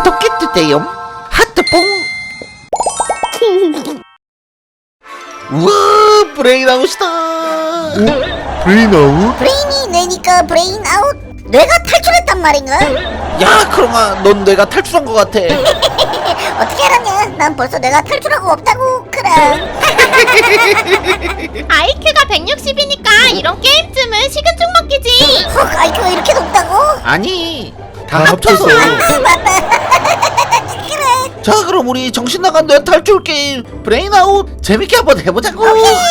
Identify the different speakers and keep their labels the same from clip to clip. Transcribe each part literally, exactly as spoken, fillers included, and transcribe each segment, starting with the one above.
Speaker 1: 구독해주세요. 하트뽕. 우와, 브레인아웃이다.
Speaker 2: 오? 브레인아웃?
Speaker 3: 브레인이 뇌니까 브레인아웃. 뇌가 탈출했단 말인가?
Speaker 1: 야, 크롱아, 넌 내가 탈출한 것 같아.
Speaker 3: 어떻게 알았냐? 난 벌써 뇌가 탈출하고 없다고. 그럼
Speaker 4: 아이큐가 백육십이니까 이런 게임쯤은 식은죽 먹기지.
Speaker 3: 헉, 아이큐가 이렇게 높다고?
Speaker 1: 아니, 다
Speaker 2: 다
Speaker 1: 합쳐서.
Speaker 2: 합쳐서.
Speaker 3: 아 맞다. 그래.
Speaker 1: 자, 그럼 우리 정신 나간 뇌 탈출 게임 브레인아웃 재밌게 한번 해보자고.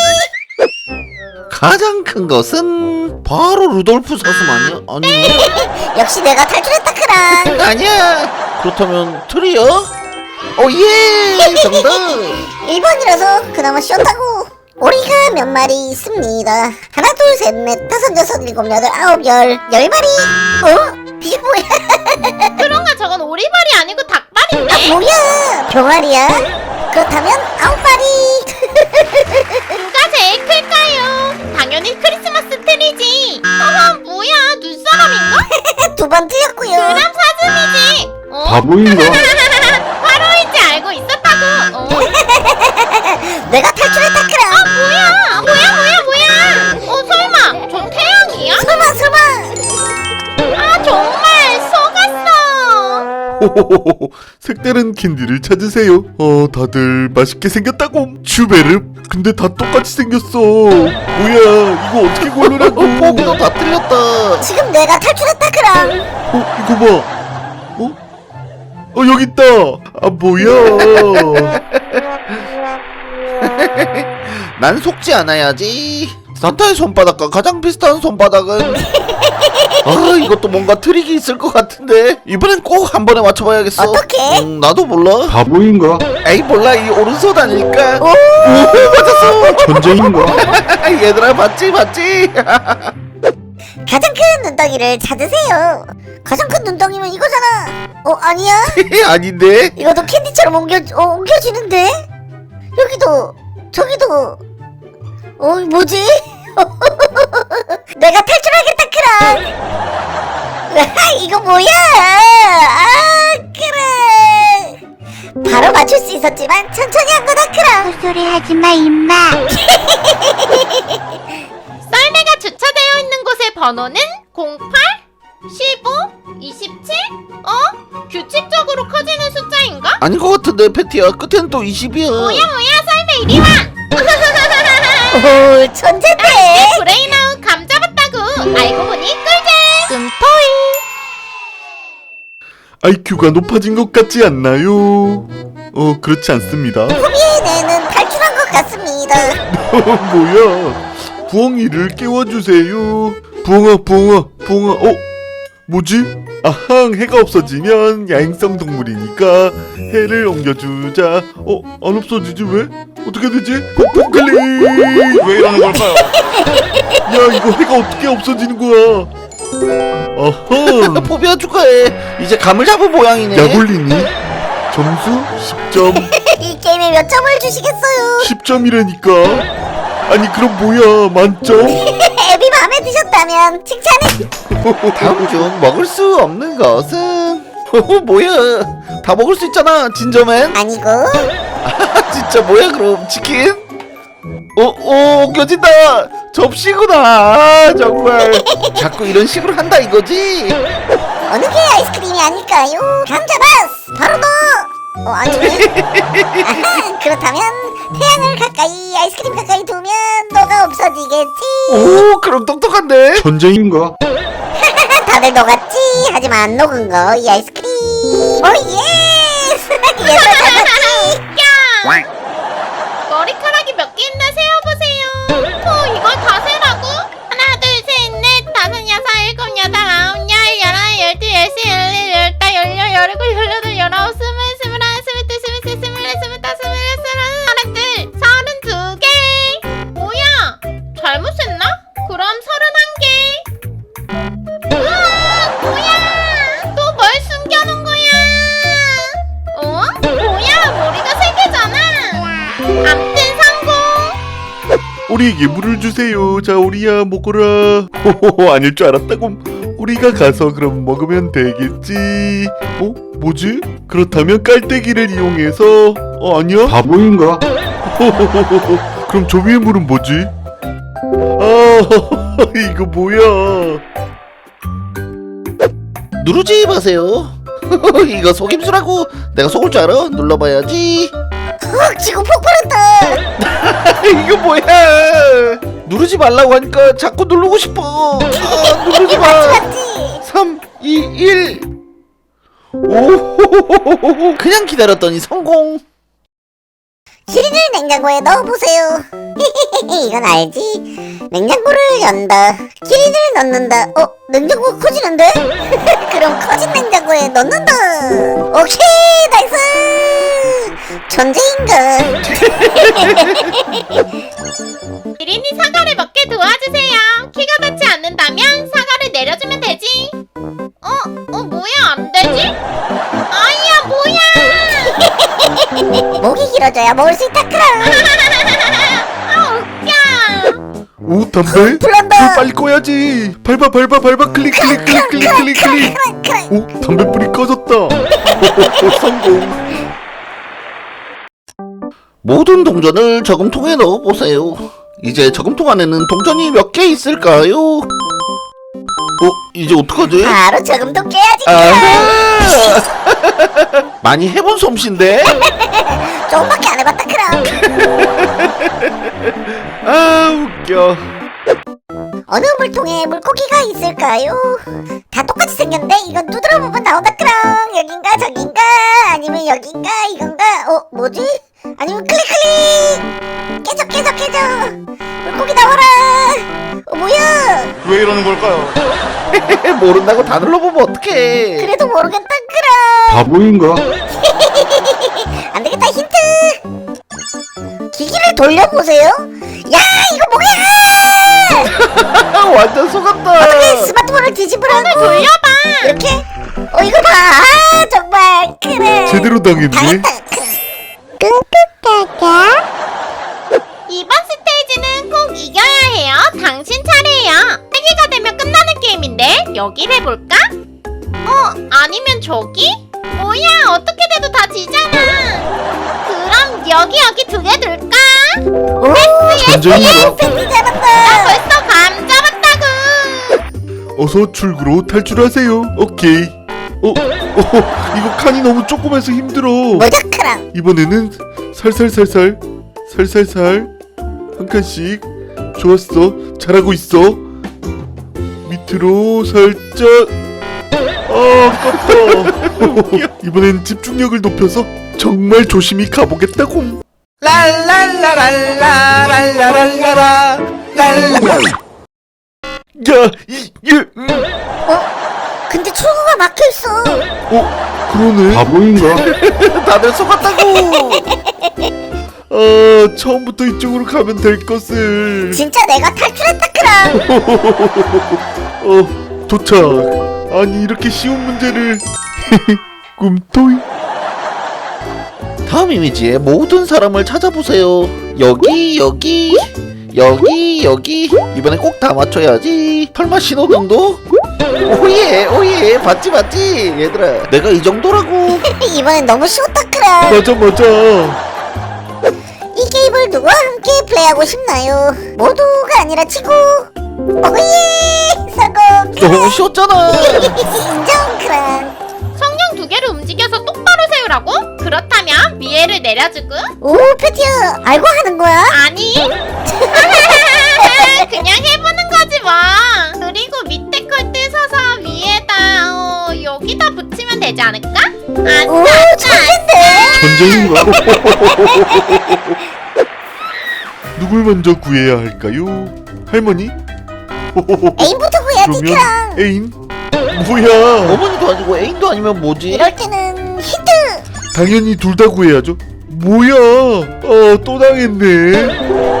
Speaker 1: 가장 큰 것은 바로 루돌프 사슴 아니야? 아니,
Speaker 3: 역시 내가 탈출했다. 그럼
Speaker 1: 아니야. 그렇다면 트리어? 오예, 정답.
Speaker 3: 일 번이라서 그나마 쉬었다고. 오리가 몇 마리 있습니다. 하나 둘 셋 넷 다섯 여섯 일곱 여덟 아홉 열 열 마리. 어? 이게 뭐야?
Speaker 4: 그런가 저건 오리발이 아니고 닭발인데.
Speaker 3: 아 뭐야? 병아리야? 그렇다면 아홉 마리.
Speaker 4: 누가 제일 클까요? 당연히 크리스마스 트리지. 어머 뭐야 눈사람인가?
Speaker 3: 두 번 틀렸고요.
Speaker 4: 그럼 사슴이지. 어?
Speaker 2: 바보인가?
Speaker 4: 바로인지 알고 있었다고. 어?
Speaker 3: 내가 탈출했다. 그럼
Speaker 4: 아 뭐야 뭐야 뭐야 뭐야. 어 설마 저 태양이야?
Speaker 3: 설마 설마.
Speaker 4: 아 정말 속았어.
Speaker 2: 호호호호. 색다른 캔디를 찾으세요. 어, 다들 맛있게 생겼다고. 슈베르? 근데 다 똑같이 생겼어. 뭐야, 이거 어떻게 고르라고?
Speaker 1: 포기도 다 틀렸다.
Speaker 3: 지금 내가 탈출했다. 그럼
Speaker 2: 어, 이거 봐. 어? 어, 여기 있다. 아, 뭐야.
Speaker 1: 난 속지 않아야지. 산타의 손바닥과 가장 비슷한 손바닥은 아, 이것도 뭔가 트릭이 있을 것 같은데 이번엔 꼭 한 번에 맞춰봐야겠어.
Speaker 3: 어떡해?
Speaker 1: 음, 나도 몰라.
Speaker 2: 바보인가?
Speaker 1: 에이 몰라, 이 오른손 아닐까?
Speaker 3: 오!
Speaker 1: 오, 맞았어.
Speaker 2: 전쟁인가?
Speaker 1: 얘들아, 봤지 봤지.
Speaker 3: 가장 큰 눈덩이를 찾으세요. 가장 큰 눈덩이면 이거잖아. 어 아니야?
Speaker 1: 아닌데.
Speaker 3: 이것도 캔디처럼 옮겨 어, 옮겨지는데? 여기도 저기도. 어 뭐지? 내가 탈출하겠다. 그럼 이거 뭐야? 아 그래. 바로 맞출 수 있었지만 천천히 한 거다. 그럼
Speaker 5: 헛소리 하지마 임마.
Speaker 4: 썰매가 주차되어 있는 곳의 번호는 공팔, 십오, 이십칠? 어? 규칙적으로 커지는 숫자인가?
Speaker 1: 아닌 것 같은데 패티야. 끝에는 또 이십이야.
Speaker 4: 뭐야 뭐야 썰매 이리 와!
Speaker 3: 오 천재인데.
Speaker 4: 브레인아웃 감 잡았다고. 알고 보니 꿀잼 끔토이.
Speaker 2: 아이큐가 높아진 것 같지 않나요? 어, 그렇지 않습니다.
Speaker 3: 호비의 뇌는 탈출한 것 같습니다.
Speaker 2: 뭐야? 부엉이를 깨워주세요. 부엉아, 부엉아, 부엉아. 어? 뭐지? 아항, 해가 없어지면 야행성 동물이니까 해를 옮겨주자. 어? 안 없어지지 왜? 어떻게 되지? 폭폭클릭! 왜 이러는 걸까요? 야, 이거 해가 어떻게 없어지는 거야? 아하!
Speaker 1: 포비아 축하해. 이제 감을 잡은 모양이네.
Speaker 2: 야골리니? 점수 십 점.
Speaker 3: 이 게임에 몇 점을 주시겠어요?
Speaker 2: 십 점이라니까. 아니 그럼 뭐야, 만점?
Speaker 3: 앱이 마음에 드셨다면 칭찬해.
Speaker 1: 다음 중 먹을 수 없는 것은 뭐야? 다 먹을 수 있잖아, 진저맨.
Speaker 3: 아니고
Speaker 1: 아, 진짜 뭐야 그럼? 치킨? 어, 어, 옮겨진다. 접시구나. 아, 정말 자꾸 이런 식으로 한다 이거지.
Speaker 3: 어느 게 아이스크림이 아닐까요? 감 잡았어. 바로 너. 어 아니네. 아하, 그렇다면 태양을 가까이 아이스크림 가까이 두면 너가 없어지겠지.
Speaker 1: 오, 그럼 똑똑한데.
Speaker 2: 전쟁인가?
Speaker 3: 다들 녹았지. 하지만 녹은 거 이 아이스크림. 오 예스. 얘들 잡았지.
Speaker 4: 야! 머리카락이 몇 개 있나 세어보세요. 어 이걸 다 세라고? 하나 둘셋넷 다섯 여섯 일곱 여덟 아홉 열 열하나 열둘 열세 열네 열다 열여 열일곱 열여덟 열아홉 스물 스물하나 스물둘 스물셋 스물넷 스물다섯 스물여섯 서른둘 서른두 개. 뭐야? 잘못 셌나? 그럼 서른한 개. 우와 뭐야? 또 뭘 숨겨놓은 거야? 어? 뭐야 머리가 세 개잖아. 암튼 성공.
Speaker 2: 오리에게 물을 주세요. 자, 오리야 먹어라. 호호호, 아닐 줄 알았다고. 우리가 가서 그럼 먹으면 되겠지. 어? 뭐지? 그렇다면 깔때기를 이용해서 어 아니야?
Speaker 5: 바보인가?
Speaker 2: 그럼 저 위에 물은 뭐지? 아 이거 뭐야?
Speaker 1: 누르지 마세요. 이거 속임수라고. 내가 속을 줄 알아? 눌러봐야지.
Speaker 3: 헉 지금 폭발했다.
Speaker 1: 이거 뭐야? 누르지 말라고 하니까 자꾸 누르고 싶어. 아, 누르지 마.
Speaker 3: 맞지?
Speaker 1: 삼, 이, 일. 오, 그냥 기다렸더니 성공.
Speaker 3: 키링을 냉장고에 넣어보세요. 이건 알지? 냉장고를 연다. 키링을 넣는다. 어? 냉장고가 커지는데? 그럼 커진 냉장고에 넣는다. 오케이 나이스. 존재인가?
Speaker 4: 기린이 사과를 먹게 도와주세요. 키가 닿지 않는다면 사과를 내려주면 되지. 어? 어 뭐야 안 되지? 아이야 뭐야?
Speaker 3: 목이 길어져야 먹을 수 있다 크라.
Speaker 4: 아 웃겨.
Speaker 2: 오 담배?
Speaker 3: 불난다.
Speaker 2: 불 빨리 꺼야지. 밟아 밟아 밟아 클릭 클릭 클릭 클릭 클릭 클릭. 오 담배불이 꺼졌다. 성공.
Speaker 1: 모든 동전을 저금통에 넣어보세요. 이제 저금통 안에는 동전이 몇 개 있을까요? 어? 이제 어떡하지?
Speaker 3: 바로 저금통 깨야지 크라.
Speaker 1: 아 많이 해본 솜씨인데?
Speaker 3: 조금밖에 안 해봤다 크라.
Speaker 1: 아 웃겨.
Speaker 3: 어느 물통에 물고기가 있을까요? 다 똑같이 생겼는데 이건 두드려 보면 나온다 크랑. 여긴가 저긴가 아니면 여긴가 이건가. 어 뭐지? 아니면 클릭 클릭. 깨져 깨져 깨져. 물고기 나와라. 어 뭐야?
Speaker 5: 왜 이러는 걸까요?
Speaker 1: 모른다고 다 눌러보면 어떡해.
Speaker 3: 그래도 모르겠다 크랑.
Speaker 5: 바보인가?
Speaker 3: 안 되겠다 힌트. 기기를 돌려보세요. 야 이거 뭐야?
Speaker 1: 완전 속았다.
Speaker 3: 어떻게 스마트폰을 뒤집으라고.
Speaker 4: 돌려봐.
Speaker 3: 이렇게? 어 이거 봐. 아, 정말 그래.
Speaker 2: 제대로 당했네.
Speaker 3: 당했다. 끙끙까까.
Speaker 4: 이번 스테이지는 꼭 이겨야 해요. 당신 차례예요. 세 개가 되면 끝나는 게임인데 여기를 해볼까? 어? 아니면 저기? 뭐야 어떻게 돼도 다 지잖아. 그럼 여기 여기 두 개 넣을까?
Speaker 3: 오,
Speaker 2: 전쟁이다.
Speaker 3: 팬티
Speaker 4: 나
Speaker 3: 잡았다.
Speaker 4: 벌써 감 잡았다고.
Speaker 2: 어서 출구로 탈출하세요. 오케이. 어, 어 이거 칸이 너무 조그매서 힘들어.
Speaker 3: 모자크랑.
Speaker 2: 이번에는 살살살살 살살살 한 칸씩. 좋았어. 잘하고 있어. 밑으로 살짝. 아 아깝다. 이번엔 집중력을 높여서 정말 조심히 가보겠다고.
Speaker 1: 랄랄라랄라랄라랄라라 랄라.
Speaker 2: 야, 이, 이, 음.
Speaker 3: 어? 근데 출구가 막혀있어.
Speaker 2: 어, 그러네.
Speaker 5: 바보인가?
Speaker 1: 다들 속았다고.
Speaker 2: 아, 처음부터 이쪽으로 가면 될 것을.
Speaker 3: 진짜 내가 탈출했다 크랑.
Speaker 2: 어, 도착. 아니, 이렇게 쉬운 문제를. 꿈토이.
Speaker 1: 다음 이미지에 모든 사람을 찾아보세요. 여기 여기 여기 여기. 이번엔 꼭 다 맞춰야지. 설마 신호등도? 오예 오예 봤지 봤지 얘들아. 내가 이 정도라고.
Speaker 3: 이번엔 너무 쉬웠다 크랑.
Speaker 2: 맞아, 맞아.
Speaker 3: 이 게임을 누구와 함께 플레이하고 싶나요? 모두가 아니라 치고. 오예 성공.
Speaker 1: 너무 쉬웠잖아.
Speaker 3: 인정 크랑.
Speaker 4: 성냥 두 개를 움직여서 똑바로 세우라고? 그렇다면 위에를 내려주고.
Speaker 3: 오 패티야 알고 하는 거야?
Speaker 4: 아니 그냥 해보는 거지 뭐. 그리고 밑에 걸 뜯어서 위에다 어, 여기다 붙이면 되지 않을까?
Speaker 3: 오
Speaker 4: 아싸
Speaker 3: 천재인데.
Speaker 2: 전쟁인가? 누굴 먼저 구해야 할까요? 할머니?
Speaker 3: 에임부터 구해야지
Speaker 2: 그러면
Speaker 3: 크랑.
Speaker 2: 애인? 뭐야?
Speaker 1: 어머니도 아니고 애인도 아니면 뭐지?
Speaker 3: 이럴 때는 힌트.
Speaker 2: 당연히 둘 다 구해야죠. 뭐야? 어, 또 당했네.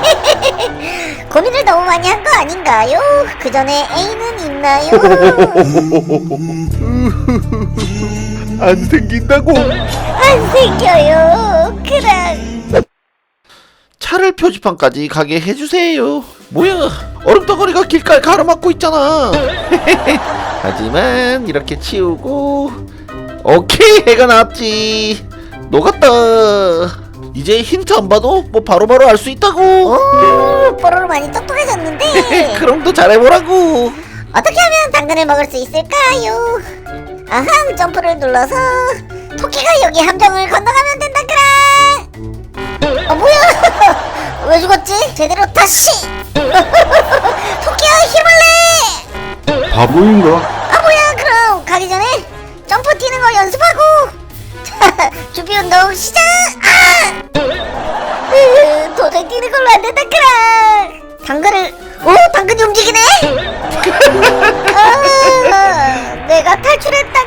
Speaker 3: 고민을 너무 많이 한 거 아닌가요? 그 전에 애인은 있나요?
Speaker 2: 안 생긴다고.
Speaker 3: 안 생겨요. 크랑.
Speaker 1: 차를 표지판까지 가게 해주세요. 뭐야, 얼음덩어리가 길가에 가로막고 있잖아. 하지만 이렇게 치우고, 오케이, 해가 나왔지. 녹았다. 이제 힌트 안 봐도 뭐 바로바로 알 수 있다고.
Speaker 3: 오, 뽀로로 많이 똑똑해졌는데.
Speaker 1: 그럼 또 잘해보라고.
Speaker 3: 어떻게 하면 당근을 먹을 수 있을까요? 아하, 점프를 눌러서 토끼가 여기 함정을 건너가면 된다 그라. 어, 뭐야? 왜 죽었지? 제대로 다시. 토끼야, 힘을 내.
Speaker 2: 바보인가?
Speaker 3: 아, 뭐야? 그럼 가기 전에 점프 뛰는 거 연습하고. 자, 준비 운동 시작. 아! 으, 도저히 뛰는 걸로 안 된다 그라. 당근을, 오, 당근이 움직이네. 아, 내가 탈출했다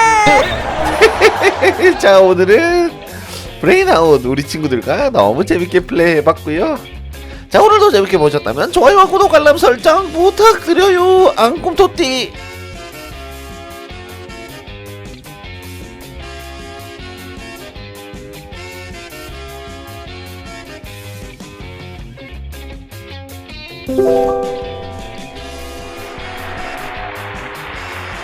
Speaker 3: 크라.
Speaker 1: 자, 오늘은 브레인아웃 우리 친구들과 너무 재밌게 플레이해봤고요. 자, 오늘도 재밌게 보셨다면 좋아요와 구독, 알람 설정 부탁드려요. 앙꿈토띠.
Speaker 3: 음.